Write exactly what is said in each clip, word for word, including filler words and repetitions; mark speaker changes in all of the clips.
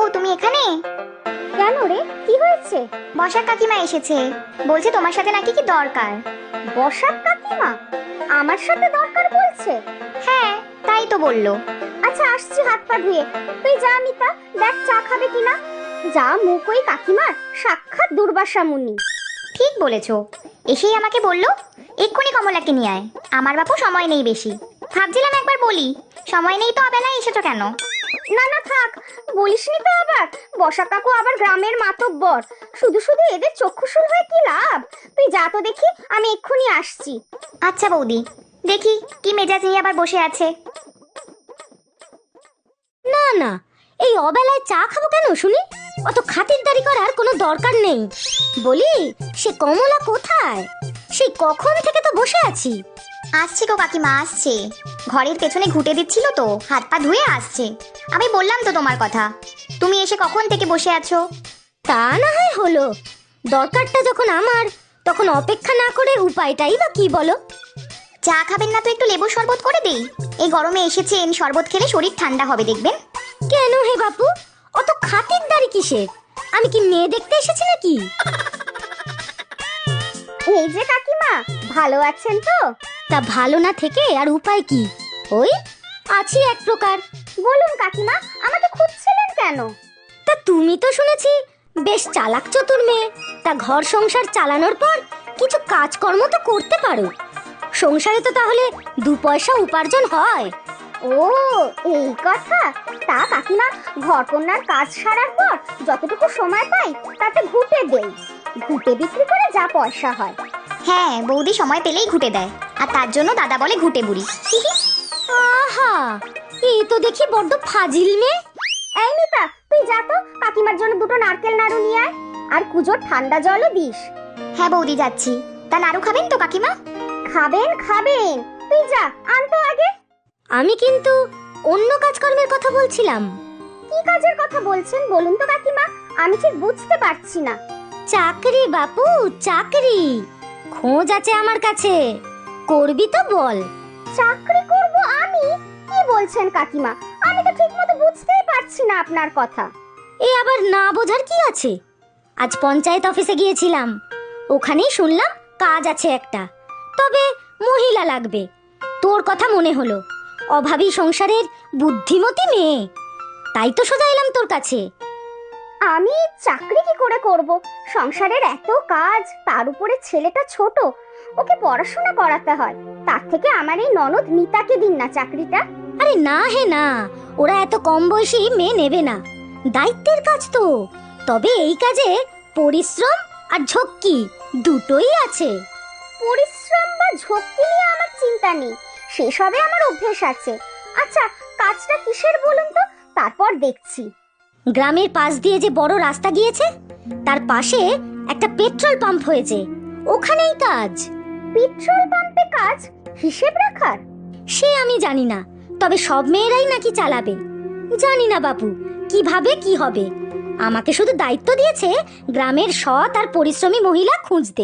Speaker 1: তুমি এখানে?
Speaker 2: কেন রে, কি হয়েছে?
Speaker 1: বসাক কাকিমা এসেছে, বলছে তোমার সাথে নাকি কি দরকার।
Speaker 2: বসাক কাকিমা আমার সাথে দরকার বলছে?
Speaker 1: হ্যাঁ, তাই তো বললো।
Speaker 2: আচ্ছা আসছি হাত পা ধুয়ে, তুই যা মিতা, দেখ চা খাবে কিনা। যা মুখ ওই কাকিমার, সাক্ষাৎ দুর্বাসা মুনি।
Speaker 1: ঠিক বলেছো, এসেই আমাকে বললো এক্ষুনি কমলাকে নিয়ে আয়। আমার বাপু সময় নেই বেশি, ভাবছিলাম একবার বলি, সময় নেই তো অবেলায় এসেছো কেন?
Speaker 2: না না থাক, বলিসনি তো আবার। বসা কাকু আবার গ্রামের মাতব্বর, শুধু শুধু এদের চক্ষুশুল হয়ে কি লাভ। তুই যা তো দেখি, আমি এক্ষুনি আসছি।
Speaker 1: আচ্ছা বৌদি, দেখি কি মেজাজ নিয়ে আবার বসে আছে।
Speaker 3: না না, এই অবেলায় চা খাবো কেন শুনি? অত খাতিরদারি করার কোনো দরকার নেই। বলি, সে কমলা কোথায়? সেই কখন থেকে তো বসে আছি।
Speaker 1: আসছে গো কাকিমা, আসছে। ঘরের পেছনে ঘুঁটে দিচ্ছিল তো, হাত পা ধুয়ে আসছে। আমি বললাম তো তোমার কথা, তুমি এসে কখন থেকে বসে আছো।
Speaker 3: তা না হয় হলো, দরকারটা যখন আমার, তখন অপেক্ষা না করে উপায়টাই বা কি বলো?
Speaker 1: চা খাবেন না তো একটু লেবুর শরবত করে দেই? এই গরমে এসেছেন, শরবত খেলে শরীর ঠান্ডা হবে দেখবেন।
Speaker 3: কেন হে বাপু, অত খাতিরদারি কিসের? আমি কি মেয়ে দেখতে এসেছি নাকি?
Speaker 2: এই যে কাকিমা, ভালো আছেন তো?
Speaker 3: তা ভালো না থেকে আর উপায় কি? ওই আছি এক প্রকার।
Speaker 2: বলুন কাকিমা, আমাকে খুঁজছিলেন কেন?
Speaker 3: তা তুমি তো শুনেছি বেশ চালাক চতুর মেয়ে, তা ঘর সংসার চালানোর পর কিছু কাজকর্ম তো করতে পারো। সংসারে তো তাহলে দু পয়সা উপার্জন হয়।
Speaker 2: ও এই কথা। তা কাকিমা, ঘরকন্যার কাজ সারার পর যতটুকু সময় পাই তাতে ঘুটে দেই। ঘুটে বিক্রি করে যা পয়সা হয়।
Speaker 1: হ্যাঁ, বৌদি সময় পেলেই ঘুঁটে দেয়, আর তার জন্য দাদা বলে ঘুঁটে বুড়ি।
Speaker 3: আহা, এই তো দেখি বড্ড ফাজিল মেয়ে।
Speaker 2: এই মিতা, তুই যা তো কাকিমার জন্য দুটো নারকেল নাড়ু নিয়ে আয়, আর কুজোর ঠান্ডা জলও দিস।
Speaker 1: হ্যাঁ বৌদি, যাচ্ছি। তা নাড়ু খাবেন তো কাকিমা?
Speaker 2: খাবেন খাবেন, তুই যা আনতো আগে।
Speaker 3: আমি কিন্তু অন্য কাজকর্মের কথা বলছিলাম।
Speaker 2: কি কাজের কথা বলছেন বলুন তো কাকিমা, আমি ঠিক বুঝতে পারছি না।
Speaker 3: চাকরি বাপু, চাকরি খোঁজ আছে আমার কাছে, করবি তো বল।
Speaker 2: চাকরি করব আমি? কি বলছেন কাকিমা, আমি তো ঠিকমতো বুঝতেই পারছি না আপনার কথা।
Speaker 3: এ আবার না বোঝার কি আছে? আজ পঞ্চায়েত অফিসে গিয়েছিলাম, ওখানেই শুনলাম কাজ আছে একটা, তবে মহিলা লাগবে। তোর কথা মনে হলো, অভাবী সংসারের বুদ্ধিমতী মেয়ে, তাই তো সোজা এলাম তোর কাছে।
Speaker 2: আমি চাকরি কি করে করব? সংসারের এত কাজ, তার উপরে ছেলেটা ছোট, ওকে পড়াশোনা করাতে হয়। তার থেকে আমার এই ননদ মিতাকে দিন না চাকরিটা।
Speaker 3: আরে না হে না, ওরা এত কম বয়সী মেয়ে নেবে না, দায়িত্বের কাজ তো। তবে এই কাজে পরিশ্রম আর ঝক্কি দুটোই আছে।
Speaker 2: পরিশ্রম বা ঝক্কি নিয়ে আমার চিন্তা নেই, সেসবে আমার অভ্যেস আছে। আচ্ছা কাজটা কিসের বলুন তো, তারপর দেখছি।
Speaker 3: গ্রামের পাশ দিয়ে যে বড় রাস্তা গিয়েছে, তার পাশে একটা পেট্রোল পাম্প হয়েছে, ওখানেই কাজ।
Speaker 2: পেট্রোল পাম্পে কাজ? হিসেব রাখার?
Speaker 3: সে আমি জানি না, তবে সব মেয়েরাই নাকি চালাবে। জানি না বাপু কিভাবে কি হবে, আমাকে শুধু দায়িত্ব দিয়েছে গ্রামের সৎ আর পরিশ্রমী মহিলা খুঁজতে।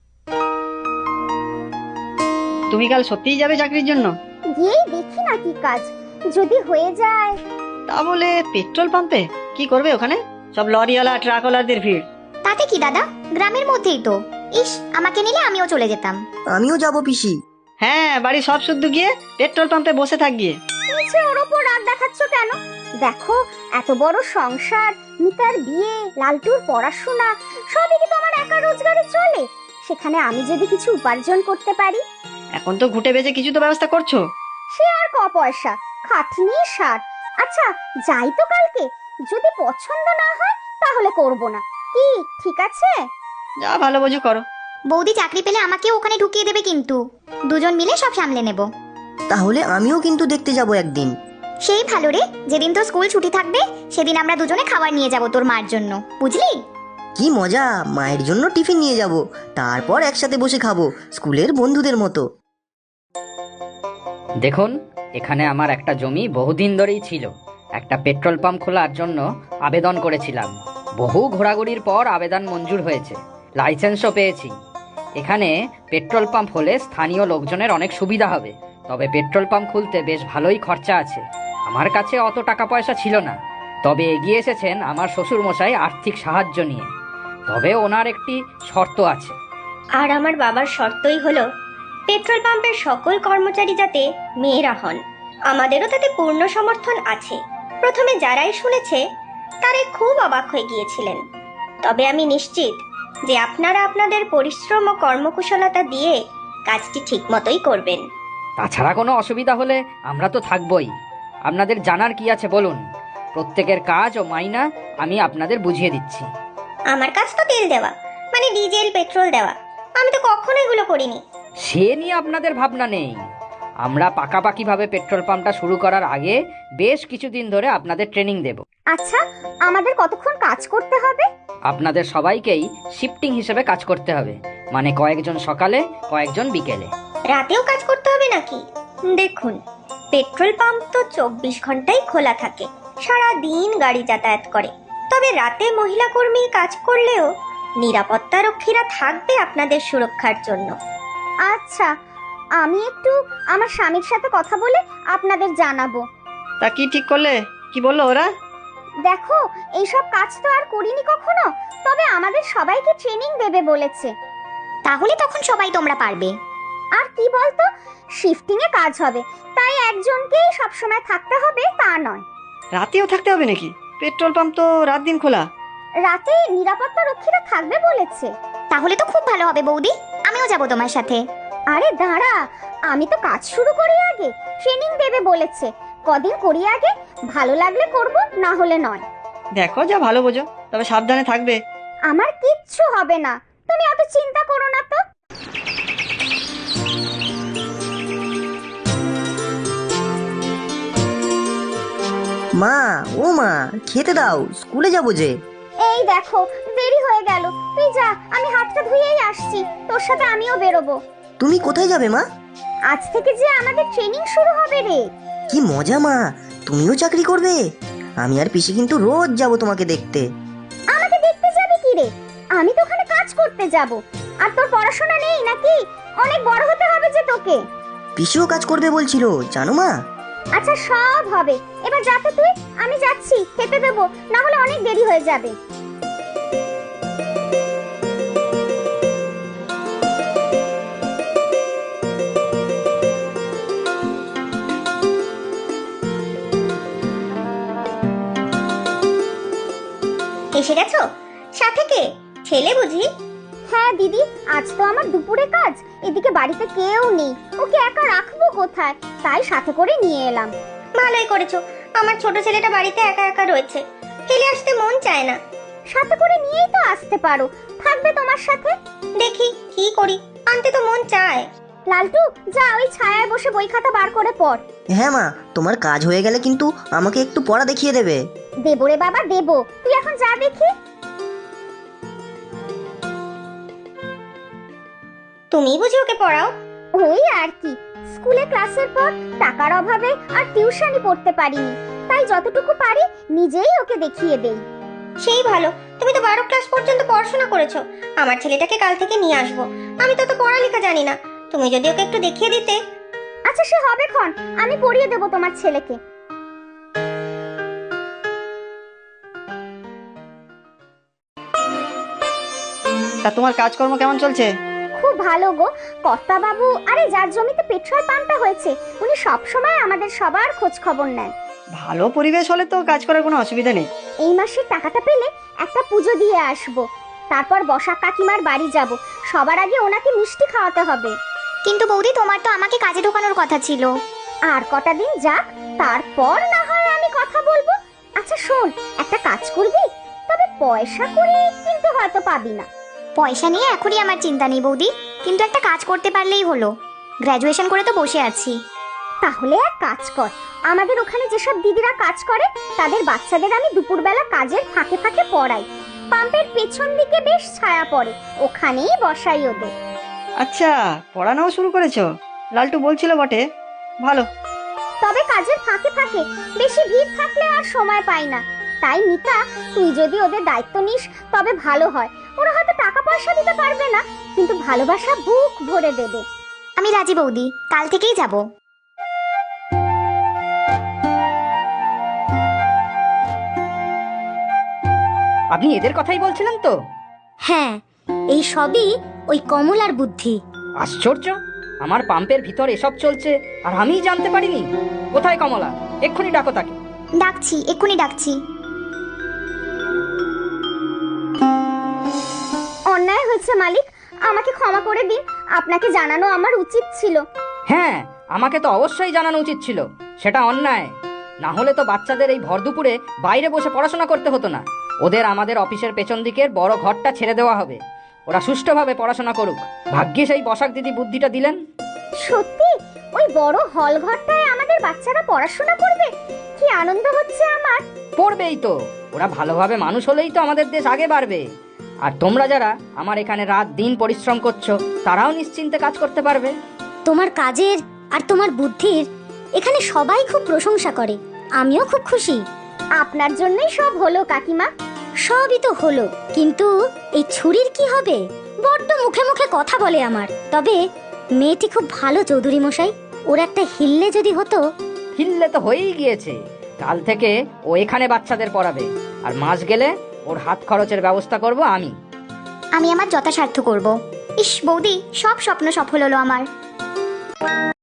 Speaker 4: তুমি কাল সত্যিই যাবে চাকরির জন্য?
Speaker 2: গিয়েই দেখি না কি কাজ, যদি হয়ে যায়।
Speaker 4: তা বলে পেট্রোল পাম্পে কি করবে ওখানে? সব লরিওয়ালা ট্রাকওয়ালাদের ভিড়।
Speaker 1: তাতে কি দাদা, গ্রামের মধ্যেই তো। ইস, আমাকে নিলে আমিও চলে যেতাম।
Speaker 5: আমিও যাব পিসি।
Speaker 4: হ্যাঁ, বাড়ি সব শুদ্ধ গিয়ে পেট্রোল পাম্পে বসে থাক গিয়ে।
Speaker 2: নিচে ওর ওপর রাগ দেখাচ্ছ কেন? দেখো এত বড় সংসার, মিতার বিয়ে, লালটুর পড়াশোনা, সবই কি তোমার একা রোজগারে চলে? সেখানে আমি যদি কিছু উপার্জন করতে পারি।
Speaker 4: এখন তো ঘুটে বেজে কিছু তো ব্যবস্থা করছো।
Speaker 2: সে আর ক পয়সা, খাটনি সার। আচ্ছা যাই তো কালকে, যদি পছন্দ না হয় তাহলে করব না। কি ঠিক আছে?
Speaker 4: যা ভালো বোঝো করো।
Speaker 1: বৌদি চাকরি পেলে আমাকেও ওখানে ঢুকিয়ে দেবে কিন্তু, দুজন মিলে সব সামলে নেব।
Speaker 5: তাহলে আমিও কিন্তু দেখতে যাব একদিন।
Speaker 1: সেই ভালো রে, যেদিন তোর স্কুল ছুটি থাকবে সেদিন আমরা দুজনে খাবার নিয়ে যাব তোর মার জন্য, বুঝলি?
Speaker 5: কি মজা, মায়ের জন্য টিফিন নিয়ে যাব, তারপর একসাথে বসে খাবো স্কুলের বন্ধুদের মতো।
Speaker 6: দেখুন, এখানে আমার একটা জমি বহুদিন ধরেই ছিল। একটা পেট্রোল পাম্প খোলার জন্য আবেদন করেছিলাম। বহু ঘোরাঘুরির পর আবেদন মঞ্জুর হয়েছে, লাইসেন্সও পেয়েছি। এখানে পেট্রোল পাম্প হলে স্থানীয় লোকজনের অনেক সুবিধা হবে, তবে পেট্রোল পাম্প খুলতে বেশ ভালোই খরচা আছে। আমার কাছে অত টাকা পয়সা ছিল না, তবে এগিয়ে এসেছেন আমার শ্বশুরমশাই আর্থিক সাহায্য নিয়ে। তবে ওনার একটি শর্ত আছে।
Speaker 7: আর আমার বাবার শর্তই হলো পেট্রোল পাম্পের সকল কর্মচারী যাতে মেয়েরা হন। আমাদেরও তাতে পূর্ণ সমর্থন আছে। প্রথমে যারাই শুনেছে তারাই খুব অবাক হয়ে গিয়েছিলেন। তবে আমি নিশ্চিত যে আপনারা আপনাদের পরিশ্রম ও কর্মকুশলতা দিয়ে কাজটি ঠিক মতোই করবেন।
Speaker 6: তাছাড়া কোনো অসুবিধা হলে আমরা তো থাকবই। আপনাদের জানার কি আছে বলুন? প্রত্যেকের কাজ ও মাইনা আমি আপনাদের বুঝিয়ে দিচ্ছি।
Speaker 7: আমার কাজ তো তেল দেওয়া, মানে ডিজেল পেট্রোল দেওয়া। আমি তো কখনো এগুলো করিনি।
Speaker 6: সে নিয়ে আপনাদের ভাবনা নেই। আমরা পাকাপাকিভাবে পেট্রোল পাম্পটা শুরু করার আগে বেশ কিছুদিন ধরে আপনাদের ট্রেনিং দেব।
Speaker 2: আচ্ছা, আমাদের কতক্ষণ কাজ করতে হবে?
Speaker 6: আপনাদের সবাইকেই শিফটিং হিসেবে কাজ করতে হবে, মানে কয়েকজন সকালে কয়েকজন বিকেলে।
Speaker 7: রাতেও কাজ করতে হবে নাকি? দেখুন, পেট্রোল পাম্প তো চব্বিশ ঘন্টাই খোলা থাকে, সারা দিন গাড়ি যাতায়াত করে। তবে রাতে মহিলা কর্মী কাজ করলেও নিরাপত্তা রক্ষীরা থাকবে আপনাদের সুরক্ষার জন্য।
Speaker 2: আচ্ছা, আমি একটু আমার স্বামীর সাথে কথা বলে আপনাদের জানাবো।
Speaker 4: তা কি ঠিক করলে? কি বললো ওরা?
Speaker 2: দেখো, এইসব কাজ তো আর করিনি কখনো, তবে আমাদের সবাইকে ট্রেনিং দেবে বলেছে।
Speaker 1: তাহলে তখন সবাই তোমরা পারবে।
Speaker 2: আর কি বলতো, শিফটিং এ কাজ হবে, তাই একজনকেই সবসময় থাকতে হবে তা নয়।
Speaker 4: রাতেও থাকতে হবে নাকি? পেট্রোল পাম্প তো রাত দিন খোলা।
Speaker 2: রাতে নিরাপত্তা রক্ষীরা থাকবে বলেছে।
Speaker 1: তাহলে তো খুব ভালো হবে বৌদি, আমিও যাব তোমার সাথে।
Speaker 2: আরে দাঁড়া, আমি তো কাজ শুরু করি আগে। ট্রেনিং দেবে বলেছে, কদিন করি আগে, ভালো লাগলে করব, না হলে নয়।
Speaker 4: দেখো যা ভালো বোঝো, তবে সাবধানে থাকবে।
Speaker 2: আমার কিচ্ছু হবে না, তুমি অত চিন্তা করো না তো।
Speaker 5: মা, ও মা, খেতে দাও, স্কুলে যাবো যে।
Speaker 2: এই দেখো, দেরি হয়ে গেল, তুই যা, আমি হাতটা ধুয়েই আসছি, তোর সাথে আমিও বেরোবো।
Speaker 5: তুমি কোথায় যাবে মা?
Speaker 2: আজ থেকে যে আমাদের ট্রেনিং শুরু হবে রে।
Speaker 5: কি মজা মা, তুমিও চাকরি করবে? আমি আর পিসি কিন্তু রোজ যাব তোমাকে দেখতে।
Speaker 2: আমাকে দেখতে যাবে কি রে? আমি তো ওখানে কাজ করতে যাব। আর তোর পড়াশোনা নেই নাকি? অনেক বড় হতে হবে যে তোকে।
Speaker 5: পিসিও কাজ করবে বলছিল, জানো মা?
Speaker 2: আচ্ছা, সব হবে, এবার যা তো তুই, আমি যাচ্ছি, খেতে দেবো, না হলে অনেক দেরি হয়ে যাবে।
Speaker 7: এসে গেছো? সাথে কে? ছেলে বুঝি?
Speaker 2: হ্যাঁ দিদি, আজ তো আমার দুপুরে কাজ, এদিকে বাড়িতে কেউ নেই, ওকে একা রাখবো কোথায়, তাই সাথে করে নিয়ে এলাম।
Speaker 7: ভালোই করেছো। আমার ছোট ছেলেটা বাড়িতে একা একা রয়েছে, ফেলে আসতে মন চায় না।
Speaker 2: সাথে করে নিয়েই তো আসতে পারো, থাকবে তোমার সাথে।
Speaker 7: দেখি কি করি, আনতে তো মন চায়।
Speaker 2: লালটু, যা ওই ছায়ায় বসে বই খাতা বার করে পড়।
Speaker 5: হ্যাঁ মা, তোমার কাজ হয়ে গেলে কিন্তু আমাকে একটু পড়া দেখিয়ে দেবে।
Speaker 2: দেবো রে বাবা, দেবো, তুই এখন যা দেখি।
Speaker 7: তুমি বুঝি ওকে পড়াও?
Speaker 2: ওই আর কি, স্কুলে ক্লাসের পর টাকার অভাবে আর টিউশনি পড়তে পারিনি, তাই যতটুকু পারি নিজেই ওকে দেখিয়ে দেই।
Speaker 7: সেই ভালো, তুমি তো বারো ক্লাস পর্যন্ত পড়াশোনা করেছো। আমার ছেলেটাকে কাল থেকে নিয়ে আসবো, আমি তো তো পড়ালেখা জানি না। তুমি যদি ওকে একটু দেখিয়ে দিতে।
Speaker 2: আচ্ছা, সে হবে ক্ষণ, আমি পড়িয়ে দেবো তোমার ছেলেকে।
Speaker 4: তা তোমার কাজকর্ম কেমন চলছে?
Speaker 2: খুব ভালো গো কর্তা বাবু, আরে যার জমিতে পেট্রোল পাম্পটা হয়েছে উনি সব সময় আমাদের সবার খোঁজ খবর নেন।
Speaker 4: ভালো পরিবেশ হলে তো কাজ করার কোনো অসুবিধা নেই।
Speaker 2: এই মাসের টাকাটা পেলে একটা পুজো দিয়ে আসবো, তারপর বসাক কাকিমার বাড়ি যাব, সবার আগে ওনাকে মিষ্টি খাওয়াতে হবে।
Speaker 1: কিন্তু বৌদি, তোমার তো আমাকে কাজে ঢোকানোর কথা ছিল।
Speaker 2: আর কটা দিন যাক, তারপর না হয় আমি কথা বলবো। আচ্ছা শোন, একটা কাজ করবি, তবে পয়সা করে কিন্তু হয়তো পাবি না।
Speaker 1: পয়সা নিয়ে এখনই আমার চিন্তা নেই বৌদি, কিন্তু একটা কাজ করতে পারলেই হলো। গ্র্যাজুয়েশন করে তো বসে আছি।
Speaker 2: তাহলে এক কাজ কর, আমাদের ওখানে যেসব দিদিরা কাজ করে তাদের বাচ্চাদের আমি দুপুরবেলা কাজের ফাঁকে ফাঁকে পড়াই। পাম্পের পেছন দিকে বেশ ছায়া পড়ে, ওখানেই বসাই ওদের।
Speaker 4: আচ্ছা, পড়ানোও শুরু করেছো? লালটু বলছিল বটে, ভালো।
Speaker 2: তবে কাজের ফাঁকে ফাঁকে, বেশি ভিড় থাকলে আর সময় পাই না। তাই মিতা, তুই যদি ওদের দায়িত্ব নিস তবে ভালো হয়। ওরা হয়তো টাকা পয়সা দিতে পারবে না, কিন্তু ভালোবাসা বুক ভরে দেবে।
Speaker 1: আমি রাজি বৌদি, কাল থেকেই যাব।
Speaker 6: আপনি এদের কথাই বলছিলেন তো?
Speaker 3: হ্যাঁ, এই সবই ওই কমলার বুদ্ধি।
Speaker 6: আশ্চর্য, আমার পাম্পের ভিতর এসব চলছে আর আমিই জানতে পারিনি। কোথায় কমলা? এক্ষুনি ডাকো তাকে।
Speaker 1: ডাকছি, এক্ষুনি ডাকছি।
Speaker 2: অন্যায় হয়েছে মালিক, আমাকে ক্ষমা করে দিন। আপনাকে জানানো আমার উচিত ছিল।
Speaker 6: হ্যাঁ, আমাকে তো অবশ্যই জানানো উচিত ছিল। সেটা অন্যায়। না হলে তো বাচ্চাদের এই ভর দুপুরে বাইরে বসে পড়াশোনা করতে হতো না। ওদের আমাদের অফিসের পেছন দিকের বড় ঘরটা ছেড়ে দেওয়া হবে। ওরা সুষ্ঠুভাবে পড়াশোনা করুক। ভাগ্যিস এই বসাক দিদি বুদ্ধিটা দিলেন।
Speaker 2: সত্যি ওই বড় হল ঘরটায় আমাদের বাচ্চারা পড়াশোনা করবে? কি আনন্দ হচ্ছে আমার।
Speaker 6: পড়বেই তো। ওরা ভালোভাবে মানুষ হলেই তো আমাদের দেশ আগে বাড়বে। আর তোমরা যারা আমার এখানে রাত দিন পরিশ্রম করছো, তারাও নিশ্চিন্তে কাজ করতে পারবে।
Speaker 3: তোমার কাজের আর তোমার বুদ্ধির এখানে সবাই খুব প্রশংসা করে। আমিও খুব খুশি।
Speaker 2: আপনার জন্যই সব হলো কাকিমা।
Speaker 3: সবই তো হলো, কিন্তু এই ছুরির কি হবে? বড্ড মুখে মুখে কথা বলে আমার। তবে মেয়েটি খুব ভালো চৌধুরী মশাই। ওর একটা হিল্লে যদি হতো।
Speaker 6: হিল্লে তো হয়েই গিয়েছে। কাল থেকে ও এখানে বাচ্চাদের পড়াবে, আর মাস গেলে ওর হাত খরচের ব্যবস্থা করব আমি।
Speaker 1: আমি আমার যথাসাধ্য করব। ইস বৌদি, সব স্বপ্ন সফল হলো আমার।